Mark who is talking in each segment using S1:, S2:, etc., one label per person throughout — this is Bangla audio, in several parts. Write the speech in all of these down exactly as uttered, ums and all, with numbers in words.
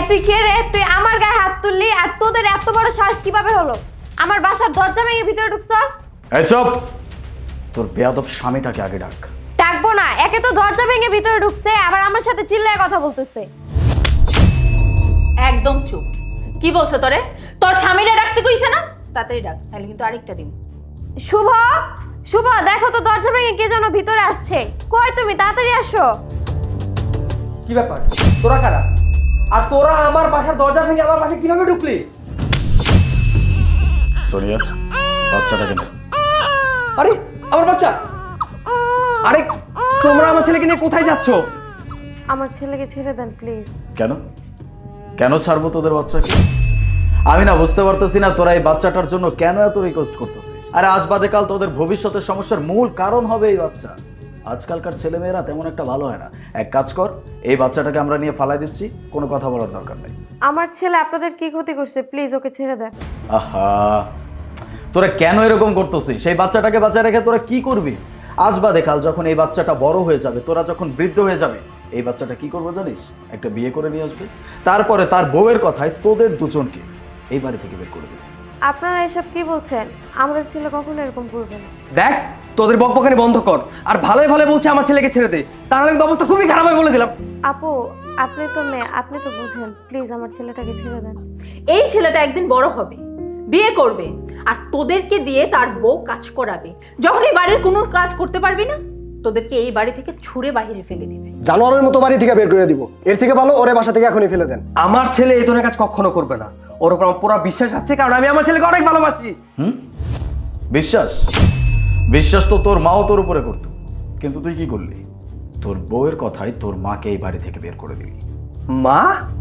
S1: তুই কে রে? তুই আমার গায়ে হাত তুললি আর তোদের এত বড় সাহস কিভাবে হলো? আমার বাসার দরজা ভেঙে ভিতরে ঢুকছস?
S2: এই চুপ! তোর বেয়াদব স্বামীটাকে আগে ডাক।
S1: ডাকবো না, একে তো দরজা ভেঙে ভিতরে ঢুকছে আবার আমার সাথে চিল্লায় কথা বলতেছে।
S3: একদম চুপ। কি বলছো তোরে? তোর স্বামীরা ডাকতে কইছে না? তাড়াতাড়ি ডাক, তাহলে কিন্তু আরেকটা দিন।
S1: শুভ, শুভ দেখো তো দরজা ভেঙে কে যেন ভিতরে আসছে। কই তুমি, তাড়াতাড়ি আসো।
S4: কি ব্যাপার? তোরা কারা? আর তোরা আমার বাসার দরজা ভেঙে আমার বাসায় কিভাবে ঢুকলি?
S2: সোনিয়া, বাচ্চাটাকে নে।
S4: আরে আমার বাচ্চা! আরে তোমরা আমার ছেলেকে নিয়ে কোথায় যাচ্ছ?
S1: আমার ছেলেকে ছেড়ে দেন প্লিজ।
S2: কেন কেন ছাড়বো তোদের বাচ্চাকে? আমি না বুঝতে পারতেছি না তোরা এই বাচ্চাটার জন্য কেন এত রিকোয়েস্ট করতেছিস। আরে আজ বাদে কাল তোদের ভবিষ্যতের সমস্যার মূল কারণ হবে এই বাচ্চা। আজকালকার ছেলেমেয়েরা তেমন একটা ভালো হয় না। এক কাজ কর, এই বাচ্চাটাকে আমরা নিয়ে ফালাই দিচ্ছি, কোনো কথা বলার দরকার নেই।
S1: আমার ছেলে আপনাদের কি ক্ষতি করছে? প্লিজ ওকে ছেড়ে দেন।
S2: আহা, তোরা কেন এরকম করতেছিস? সেই বাচ্চাটাকে বাঁচায় রেখে তোরা কি করবি? আজ বাদে কাল যখন এই বাচ্চাটা বড় হয়ে যাবে, তোরা যখন বৃদ্ধ হয়ে যাবে, এই বাচ্চাটা কি করবো জানিস? একটা বিয়ে করে নিয়ে আসবে, তারপরে তার বউয়ের কথায় তোদের দুজনকে এই বাড়ি থেকে বের করে দেবে।
S1: আপনারা এসব কি বলছেন? আমাদের ছেলে কখনো এরকম করবে না।
S4: দেখ, তোদের বকবকানি বন্ধ কর। আর ভালোই ভালো বলছে আমার ছেলেকে ছেড়ে দে, তাহলে কিন্তু অবস্থা খুবই খারাপ হয় বলে দিলাম।
S1: আপু, আপনি তো মেয়ে, আপনি তো বুঝেন, প্লিজ আমার ছেলেটাকে ছেড়ে দেন।
S3: এই ছেলেটা একদিন বড় হবে, বিয়ে করবে, আর তোদেরকে দিয়ে তার বউ কাজ করাবে। যখন এই বাড়ির কোনো কাজ করতে পারবি না, তোদেরকে এই বাড়ি থেকে ছুঁড়ে বাইরে ফেলে দিবে।
S5: জানোয়ারের মতো বাড়ি থেকে বের করে দিব। এর থেকে ভালো ওরে বাসা থেকে এখনই ফেলে দেন।
S4: আমার ছেলে এই ধরনের কাজ কখনো করবে না। ওর উপর আমার পুরো বিশ্বাস আছে, কারণ আমি আমার ছেলেকে অনেক ভালোবাসি।
S2: হুম, বিশ্বাস? বিশ্বাস তো তোর মাও তোর উপরে করতো, কিন্তু তুই কি করলি? তোর বউয়ের কথায় তোর মাকে এই বাড়ি থেকে বের করে দিলি।
S4: মা?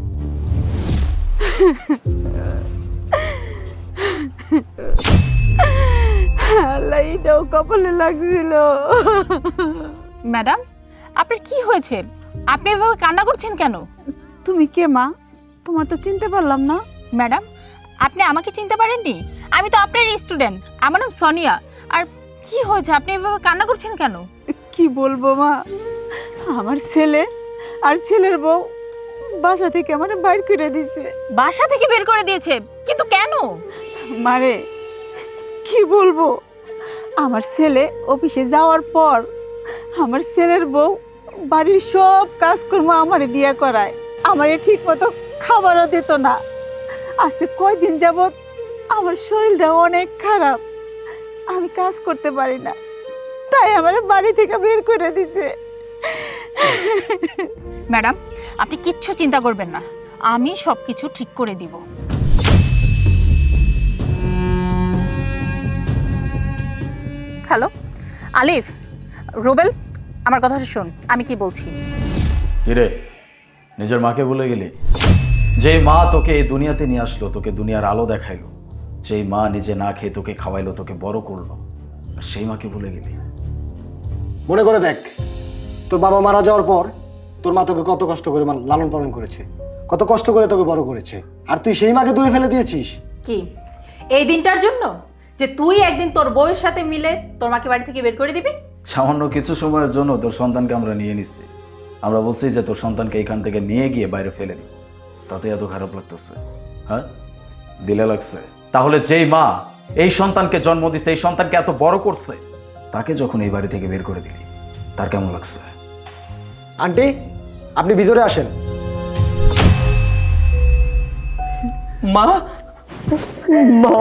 S6: লাইটাও কপালে লাগছিল।
S3: ম্যাডাম, আপনার কি হয়েছে? আপনি এভাবে কান্না করছেন কেন?
S6: তুমি কে মা? তোমার তো চিনতে পারলাম না।
S3: ম্যাডাম, আপনি আমাকে চিনতে পারেননি? আমি তো আপনার স্টুডেন্ট, আমার নাম সোনিয়া। আর কি হয়েছে, আপনি এভাবে কান্না করছেন কেন?
S6: কি বলবো মা, আমার ছেলে আর ছেলের বউ বাসা থেকে আমার বাইর করে দিছে।
S3: বাসা থেকে বের করে দিয়েছে? কিন্তু কেন?
S6: মারে কি বলবো, আমার ছেলে অফিসে যাওয়ার পর আমার ছেলের বউ বাড়ির সব কাজকর্ম আমারে দিয়া করায়, আমারে ঠিক মতো খাবারও দিত না। আজকে কয়দিন যাবৎ আমার শরীরটা অনেক খারাপ, আমি কাজ করতে পারি না, তাই আমার বাড়ি থেকে বের করে দিছে।
S3: ম্যাডাম, আপনি কিচ্ছু চিন্তা করবেন না, আমি সব কিছু ঠিক করে দিব। হ্যালো আলিফ, রুবেল, আমার কথাটা শোন, আমি কি বলছি।
S2: কিরে, নিজের মাকে ভুলে গেলি? যেই মা তোকে এই দুনিয়াতে নিয়ে আসলো, তোকে দুনিয়ার আলো দেখাইলো, যেই মা নিজে না খেয়ে তোকে খাওয়াইলো, তোকে বড় করলো, আর সেই মাকে ভুলে গেলি?
S5: মনে করে দেখ, তোর বাবা মারা যাওয়ার পর তোর মা তোকে কত কষ্ট করে মান- লালন পালন করেছে, কত কষ্ট করে তোকে বড় করেছে, আর তুই সেই মাকে দূরে ফেলে দিয়েছিস।
S3: কি এই দিনটার জন্য যে তুই একদিন তোর বউয়ের সাথে মিলে তোর মাকে বাড়ি থেকে বের করে দিবি?
S2: সামান্য কিছু সময়ের জন্য তোর সন্তানকে আমরা নিয়ে নিচ্ছি। আমরা বলছি যে তোর সন্তানকে এখান থেকে নিয়ে গিয়ে বাইরে ফেলে দিব, তাতে এত খারাপ লাগতেছে? হ্যাঁ, দিলে লাগছে? তাহলে যেই মা এই সন্তানকে জন্ম দিছে, এই সন্তানকে এত বড় করছে, তাকে যখন এই বাড়ি থেকে বের করে দিলি, তার কেমন লাগছে?
S5: আন্টি, আপনি ভিতরে আসেন।
S4: মা? মা?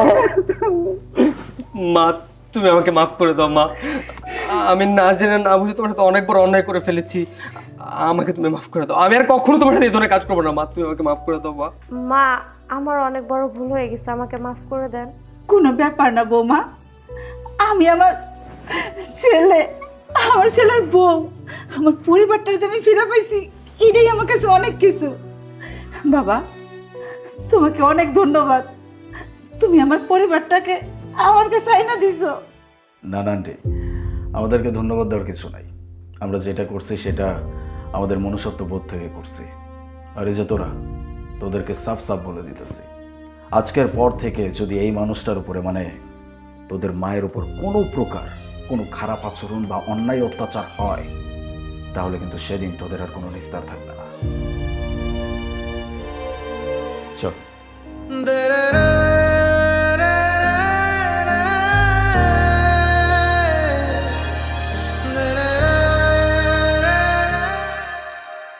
S4: মা, তুমি আমাকে মাফ করে দাও মা। আমি না জেনে না বুঝে তোমার সাথে অনেক বড় অন্যায় করে ফেলেছি। আমাকে তুমি মাফ করে দাও। আমি আর কখনো তোমার সাথে এই ধরনের কাজ করবো না মা। তুমি আমাকে মাফ করে দাও মা।
S1: মা, আমার অনেক বড় ভুল হয়ে গেছে, আমাকে মাফ করে দেন।
S6: কোনো ব্যাপার না বৌমা, আমি আমার ছেলে, আমার ছেলের বউ, আমার পরিবারটার যে আমি ফিরে পাইছি, এটাই আমার কাছে অনেক কিছু। বাবা, তোমাকে অনেক ধন্যবাদ, তুমি আমার পরিবারটাকে আমার কাছে আইনা দিছো।
S2: না না আন্টি, আমাদেরকে ধন্যবাদ দেওয়ার কিছু নাই। আমরা যেটা করছি সেটা আমাদের মনুষ্যত্ব বোধ থেকে করছি। আর এই যে তোরা, তোদেরকে সাফ সাফ বলে দিতেছি, আজকের পর থেকে যদি এই মানুষটার উপরে, মানে তোদের মায়ের উপর কোনো প্রকার কোনো খারাপ আচরণ বা অন্যায় অত্যাচার হয়, তাহলে কিন্তু সেদিন তোদের আর কোনো নিস্তার থাকবে না। চল।